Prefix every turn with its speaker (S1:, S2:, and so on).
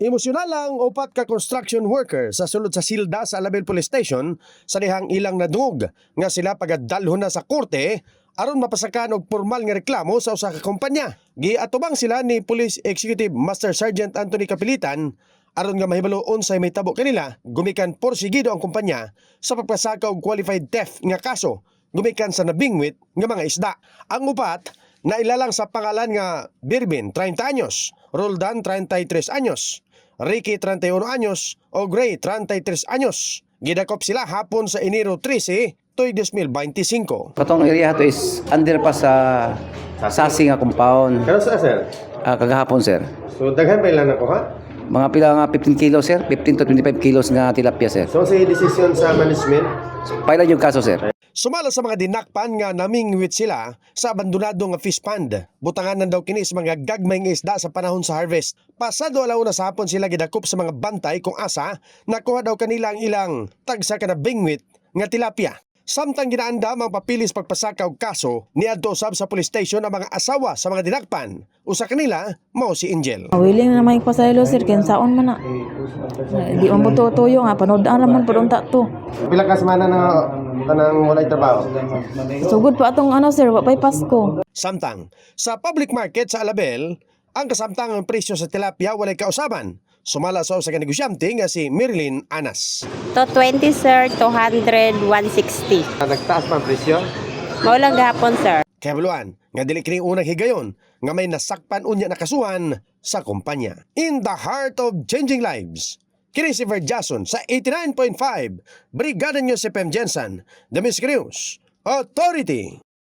S1: Emosyonal lang upat ka construction worker sa sulod sa silda sa Alabel Police Station sa dihang ilang nadungog nga sila pagadalhon na sa korte aron mapasakan og formal nga reklamo sa usa ka kumpanya. Giatubang sila ni Police Executive Master Sergeant Anthony Kapilitan aron nga mahibalo unsay may tabo kanila gumikan porsigido ang kumpanya sa pagpasaka og qualified theft nga kaso gumikan sa nabingwit nga mga isda. Ang upat na ilalang sa pangalan nga Birbin 30 anyos, Roldan 33 anyos, Ricky 31 anyos o Gray 33 anyos. Gidakop sila hapon sa Enero 13, toy 2025.
S2: Katong area to is underpass sa Sasing nga compound.
S3: Kano sa sir?
S2: Kagahapon sir.
S3: So daghan pa ilan ako ha?
S2: Mga pila nga 15 kilos sir, 15 to 25 kilos nga tilapia sir.
S3: So sa decision sa management?
S2: Pailan yung kaso sir.
S1: Sumala sa mga dinakpan nga namingwit sila sa abandonado nga fish pond. Butanganan daw kini sa mga gagmay nga isda sa panahon sa harvest. Pasado alauna sa hapon sila gidakop sa mga bantay kung asa nakuha daw kanila ang ilang tagsa ka na bingwit nga tilapia. Samtang ginaanda ang papilis pagpasaka og kaso, niadto usab sa police station ang mga asawa sa mga dinakpan. Usa kanila mao si Angel.
S4: Willing na may pasaylo sir, kinsaon man na. Di man buto tuyo nga panood-an raman padunta to.
S3: Pila ka semana na tanang walay trabaho?
S4: Sugod pa atong sir, wa pay Pasko.
S1: Samtang sa public market sa Alabel, ang kasamtangang presyo sa tilapia walay kausaban. Sumala sa usa ka negosyante nga si Marilyn Anas.
S5: To 20 sir, 200, 160.
S3: Nagtaas pa ang presyo?
S5: Maulang gahapon sir.
S1: Kaya baluan, nga dili kini unang higayon nga may nasakpan unya na kasuhan sa kumpanya. In the heart of changing lives, kini si Ver Jason sa 89.5 Brigada News FM Jensen, The Miss News Authority.